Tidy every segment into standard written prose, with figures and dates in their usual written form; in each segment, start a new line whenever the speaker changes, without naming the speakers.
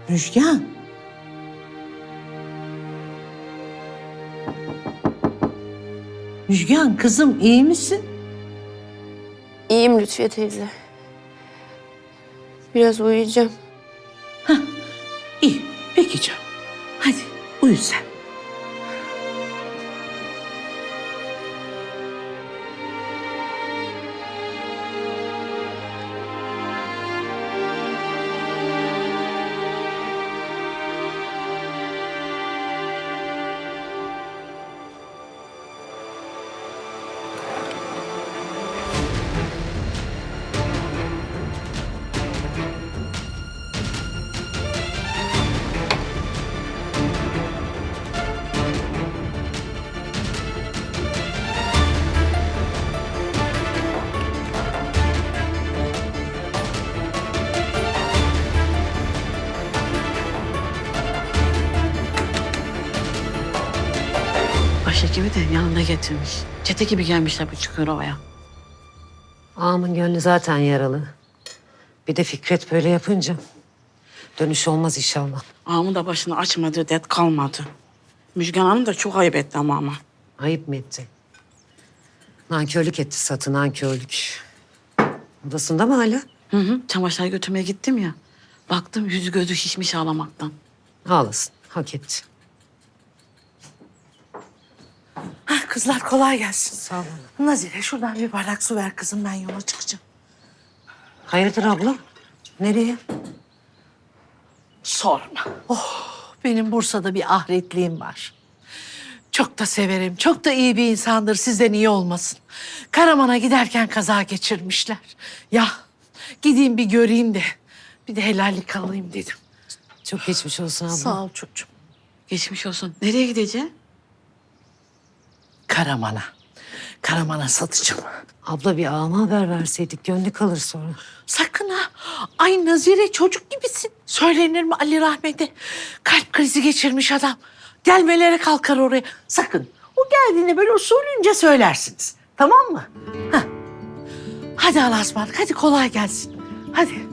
Müjgan. Müjgan kızım iyi misin?
İyiyim Lütfiye teyze. Biraz uyuyacağım.
İyi. Peki canım. Hadi uyu sen.
Başhekimi de yanında getirmiş. Çete gibi gelmişler bu Çukurova'ya.
Ağamın gönlü zaten yaralı. Bir de Fikret böyle yapınca dönüş olmaz inşallah.
Ağamın da başını açmadı, dert kalmadı. Müjgan Hanım da çok ayıp etti ama.
Ayıp mı etti? Nankörlük etti Satı, nankörlük. Odasında mı hala?
Hı hı, çamaşır götürmeye gittim ya. Baktım yüzü gözü şişmiş ağlamaktan.
Ağlasın, hak etti.
Kızlar kolay gelsin.
Sağ olun.
Nazire şuradan bir bardak su ver kızım, ben yola çıkacağım.
Hayırdır abla? Nereye?
Sorma. Benim Bursa'da bir ahretliğim var. Çok da severim, çok da iyi bir insandır, sizden iyi olmasın. Karaman'a giderken kaza geçirmişler. Ya gideyim bir göreyim de bir de helallik alayım dedim.
Çok geçmiş olsun abla.
Sağ ol çocuğum.
Geçmiş olsun. Nereye gideceksin?
Karaman'a. Karaman'a satacağım.
Abla bir ağama haber verseydik gönlü kalır sonra.
Sakın ha. Ay Nazire çocuk gibisin. Söylenir mi Ali Rahmet'e? Kalp krizi geçirmiş adam. Gelmelere kalkar oraya. Sakın. O geldiğinde böyle usulünce söylersiniz. Tamam mı? Hah. Hadi Allah'a ısmarladık. Hadi kolay gelsin. Hadi.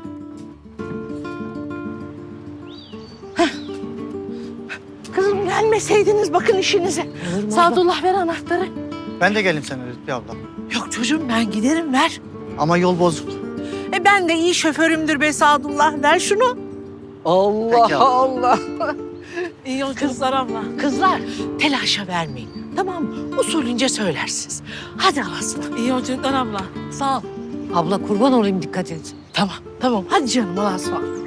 Hah. Kızım gelmeseydiniz bakın işinize.
Olur mu
Sadullah ver anahtarı.
Ben de geleyim seninle Lütfi abla.
Yok çocuğum ben giderim ver.
Ama yol bozuk.
Ben de iyi şoförümdür be Sadullah. Ver şunu.
Peki abla.
İyi yolculuklar abla.
Kızlar telaşa vermeyin. Tamam mı? Usulünce söylersiniz. Hadi Allah'a
İyi yolculuklar abla.
Sağ ol.
Abla kurban olayım dikkat et.
Tamam. Hadi canım Allah'a ısmarladık.